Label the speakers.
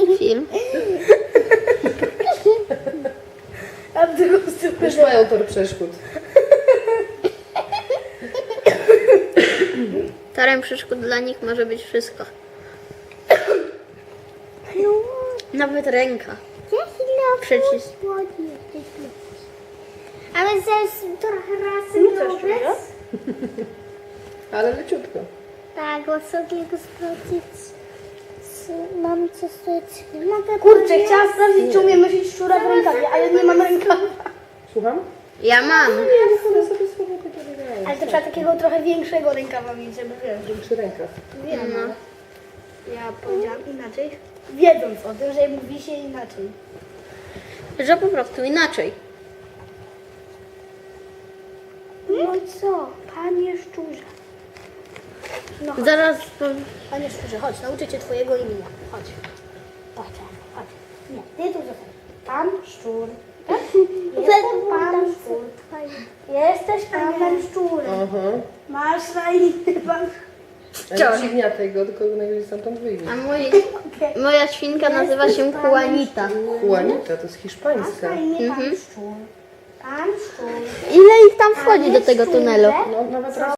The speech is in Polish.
Speaker 1: film.
Speaker 2: A w drugą stronę.
Speaker 3: Już mają tor przeszkód.
Speaker 1: Torem przeszkód dla nich może być wszystko. Nawet ręka. Przycisk.
Speaker 4: Ale zaraz trochę razy
Speaker 2: Rzucasz czego?
Speaker 3: Ale leciutko.
Speaker 4: Tak, bo sobie go sprawdzić. Mam coś tutaj. Mogę
Speaker 2: Kurczę, chciałam sprawdzić, czy umiem nosić szczura w rękawie, ale nie mam rękawa.
Speaker 3: Słucham?
Speaker 1: Ja mam.
Speaker 3: Ja sobie słowo takie wydaję.
Speaker 2: Ale to trzeba takiego trochę większego rękawa mieć, żeby wiesz.
Speaker 3: Większy rękaw.
Speaker 2: Wiem, no. Ja powiedziałam inaczej, wiedząc o tym, że mówi się inaczej.
Speaker 1: Że po prostu inaczej.
Speaker 2: No i co, panie szczurze? No chodź,
Speaker 1: Zaraz.
Speaker 2: panie szczurze, chodź, nauczę cię twojego imienia. Chodź. Chodź, chodź. Nie, ty tu zostań. Pan szczur. Tak? Jestem pan szczur. Jesteś panem szczurem.
Speaker 3: Aha.
Speaker 2: Masz na imię pan.
Speaker 3: Ale nie przygniataj go, tylko najwyżej stamtąd wyjdzie.
Speaker 1: A moja świnka nazywa się Juanita.
Speaker 3: Juanita, to jest
Speaker 2: Masz
Speaker 3: hiszpańska.
Speaker 2: na imię pan szczur. Pan szczur.
Speaker 1: Ile ich tam wchodzi do tego tunelu?
Speaker 3: No, nawet raz